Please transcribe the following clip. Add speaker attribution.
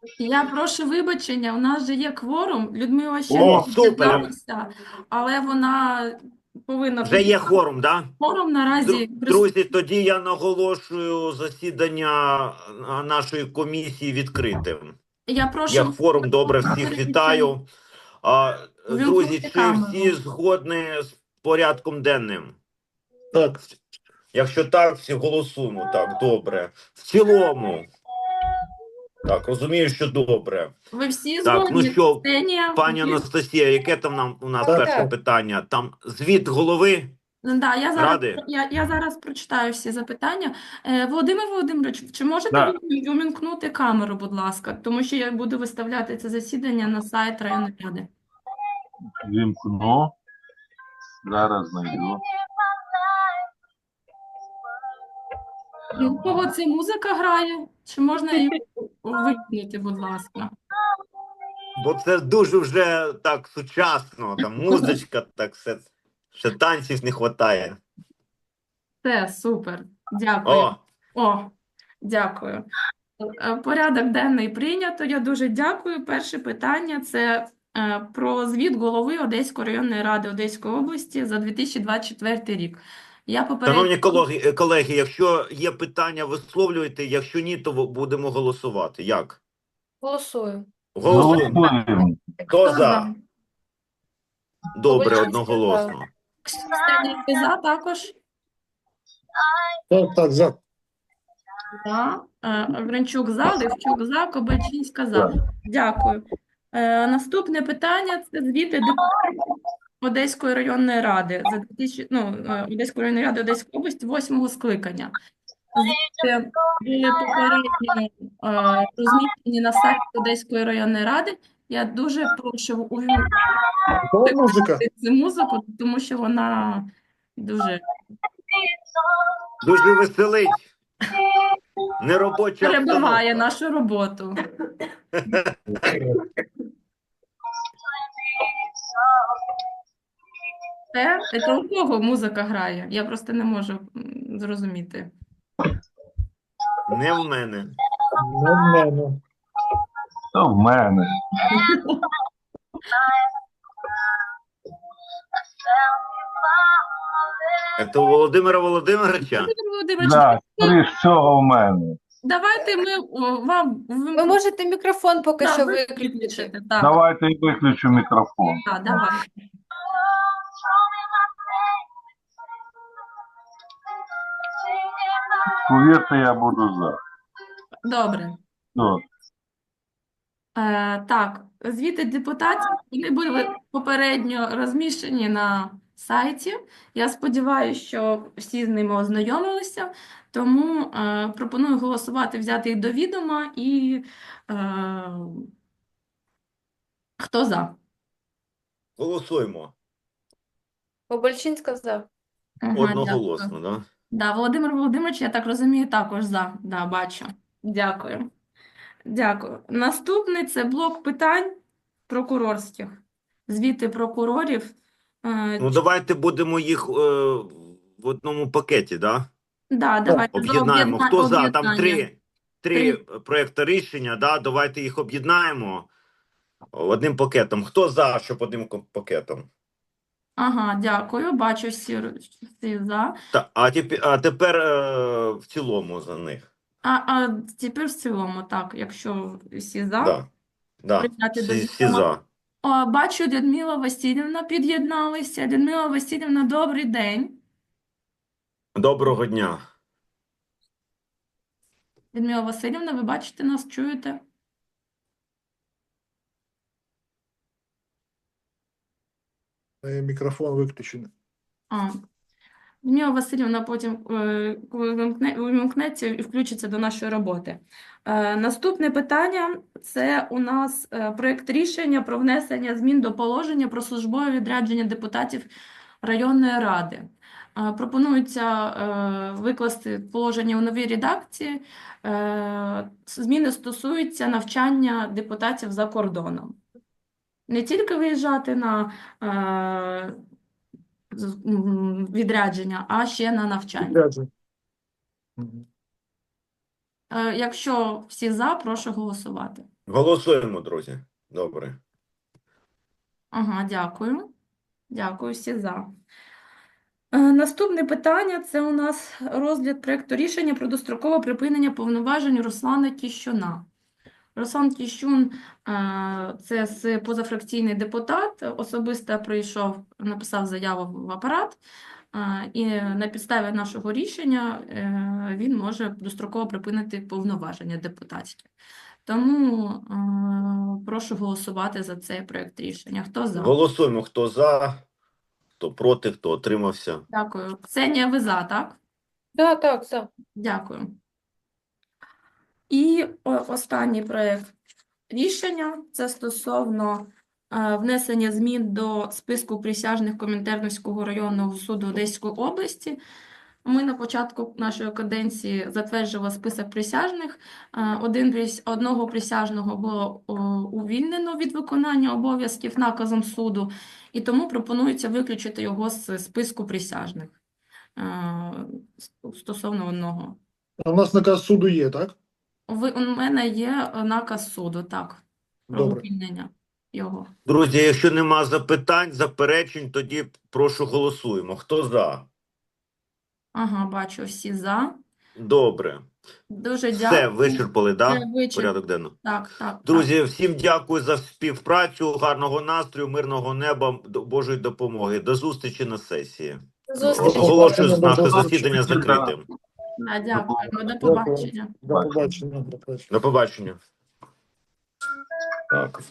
Speaker 1: Я прошу вибачення, у нас же є кворум, Людмила ще не
Speaker 2: О, супер!
Speaker 1: під'єдналася, але вона повинна
Speaker 2: Вже є
Speaker 1: під'єднатися.
Speaker 2: кворум, да?
Speaker 1: Кворум наразі
Speaker 2: Друзі,
Speaker 1: присутній.
Speaker 2: тоді я наголошую засідання нашої комісії відкритим.
Speaker 1: Я
Speaker 2: Я
Speaker 1: прошу
Speaker 2: кворум, добре, всіх
Speaker 1: перейти,
Speaker 2: вітаю. Друзі,
Speaker 1: увімкнути
Speaker 2: чи всі
Speaker 1: камеру.
Speaker 2: згодні з порядком денним?
Speaker 3: Так,
Speaker 2: Якщо так, всі голосуємо. Так, добре. В цілому. Так, розумію, що добре.
Speaker 1: Ви всі
Speaker 2: Так, ну
Speaker 1: згодні?
Speaker 2: що,
Speaker 1: Ксенія?
Speaker 2: пані Анастасія, яке там у нас
Speaker 3: Так,
Speaker 2: перше
Speaker 3: так.
Speaker 2: питання? Там звіт голови
Speaker 1: Да,
Speaker 2: ради?
Speaker 1: я зараз прочитаю всі запитання. Володимир Володимирович, чи можете
Speaker 3: Да.
Speaker 1: ви увімкнути камеру, будь ласка? Тому що я буду виставляти це засідання на сайт районної ради.
Speaker 3: Вімкну. Зараз знайду.
Speaker 1: І у кого це музика грає? Чи можна її вимкнути, будь ласка?
Speaker 2: Бо це дуже вже так сучасно, там музичка, так все. Ще танців не вистачає.
Speaker 1: Це супер. Дякую.
Speaker 2: О,
Speaker 1: О, дякую. Порядок денний прийнято. Я дуже дякую. Перше питання – це про звіт голови Одеської районної ради Одеської області за 2024 рік. Я попередньо...
Speaker 2: шановні колеги, якщо є питання, висловлюйте, якщо ні, то будемо голосувати. Як?
Speaker 4: Голосую.
Speaker 2: Голосуємо.
Speaker 3: Голосуємо.
Speaker 2: Хто за? Добре,
Speaker 4: Оболонський
Speaker 2: одноголосно.
Speaker 1: Ксенія, ти за також?
Speaker 3: Так, за.
Speaker 1: За. Гринчук за, Левчук за, Кобальчинська за.
Speaker 3: Так.
Speaker 1: Дякую. Наступне питання – це звіти депутатів Одеської районної ради за 2000, Одеської районної ради Одеської області 8-го скликання. Звіти були попередньо розміщені на сайті Одеської районної ради. Я дуже прошу
Speaker 3: Кого музика?
Speaker 1: цю музику, тому що вона дуже
Speaker 2: Дуже веселить. Неробоча
Speaker 1: перебиває
Speaker 2: обстановка.
Speaker 1: нашу роботу. Це у кого музика грає? Я просто не можу зрозуміти.
Speaker 2: Не в мене.
Speaker 3: Не в мене. То в мене.
Speaker 2: Це у Володимира Володимировича?
Speaker 1: Володимир Володимирович,
Speaker 3: Да, скоріш всього в мене.
Speaker 1: давайте ми вам
Speaker 4: Ви можете мікрофон поки
Speaker 1: Да,
Speaker 4: що
Speaker 1: ви
Speaker 4: виключити.
Speaker 1: виключите. Так,
Speaker 3: Давайте я виключу мікрофон.
Speaker 1: так, давай.
Speaker 3: Повірте, я буду за.
Speaker 1: Добре.
Speaker 3: Ну,
Speaker 1: Так, звіти депутатів, вони були попередньо розміщені на сайті. Я сподіваюся, що всі з ними ознайомилися, тому пропоную голосувати, взяти їх до відома і хто за?
Speaker 2: Голосуємо.
Speaker 4: Обольчинська за.
Speaker 1: Ага,
Speaker 2: Одноголосно,
Speaker 1: дякую.
Speaker 2: да?
Speaker 1: Да, Володимир Володимирович, я так розумію, також за. Да, бачу. Дякую. Дякую. Наступний це блок питань прокурорських. Звіти прокурорів.
Speaker 2: Ну, давайте будемо їх в одному пакеті, да?
Speaker 1: Да, давайте за
Speaker 2: Об'єднаємо. Хто за? Там
Speaker 1: об'єднання.
Speaker 2: три
Speaker 1: Три.
Speaker 2: проекти рішення, да? Давайте їх об'єднаємо одним пакетом. Хто за, щоб одним пакетом?
Speaker 1: Ага, дякую. Бачу всі за.
Speaker 2: А тепер в цілому за них.
Speaker 1: А тепер в цілому, так, якщо всі за,
Speaker 2: Да. Да.
Speaker 1: прийняти до
Speaker 2: Всі
Speaker 1: відома.
Speaker 2: за.
Speaker 1: Бачу, Людмила Васильівна під'єдналася. Людмила Васильівна, добрий день.
Speaker 2: Доброго дня.
Speaker 1: Людмила Васильівна, ви бачите нас, чуєте?
Speaker 5: Мікрофон виключений.
Speaker 1: Людмила Васильівна потім коли вимкнеться і включиться до нашої роботи. Наступне питання – це у нас проєкт рішення про внесення змін до положення про службове відрядження депутатів районної ради. Пропонується викласти положення у новій редакції. Зміни стосуються навчання депутатів за кордоном. Не тільки виїжджати на відрядження, а ще на навчання.
Speaker 5: Відрядження. Мгм.
Speaker 1: Якщо всі за, прошу голосувати.
Speaker 2: Голосуємо, друзі. Добре.
Speaker 1: Ага, дякую. Дякую, всі за. Наступне питання – це у нас розгляд проекту рішення про дострокове припинення повноважень Руслана Тіщуна. Руслан Тіщун це позафракційний депутат, особисто прийшов, написав заяву в апарат, і на підставі нашого рішення він може достроково припинити повноваження депутатські. Тому прошу голосувати за цей проект рішення. Хто за?
Speaker 2: Голосуємо, хто за, хто проти, хто утримався.
Speaker 1: Дякую. Ксенія, ви за, так?
Speaker 4: Да, так, за.
Speaker 1: Дякую. І останній проект рішення – це стосовно внесення змін до списку присяжних Комінтернівського районного суду Одеської області. Ми на початку нашої каденції затверджували список присяжних. Одного присяжного було увільнено від виконання обов'язків наказом суду, і тому пропонується виключити його з списку присяжних стосовно одного.
Speaker 5: А у нас наказ суду є, так?
Speaker 1: У мене є наказ суду, так, про
Speaker 5: Добре.
Speaker 1: увільнення його.
Speaker 2: Друзі, якщо нема запитань, заперечень, тоді прошу голосуємо. Хто за?
Speaker 1: Ага, бачу, всі за.
Speaker 2: Добре.
Speaker 1: Дуже
Speaker 2: Все,
Speaker 1: дякую.
Speaker 2: вичерпали, да?
Speaker 1: Вичерп-
Speaker 2: Порядок денний.
Speaker 1: Так, так.
Speaker 2: Друзі, всім дякую за співпрацю, гарного настрою, мирного неба, Божої допомоги. До зустрічі на сесії.
Speaker 4: Зустріч.
Speaker 2: Оголошую наше
Speaker 5: До
Speaker 2: засідання
Speaker 3: зустрічі.
Speaker 2: закритим.
Speaker 1: Так, дякуємо. До побачення.
Speaker 5: До побачення. До побачення.
Speaker 2: До побачення.
Speaker 3: Так.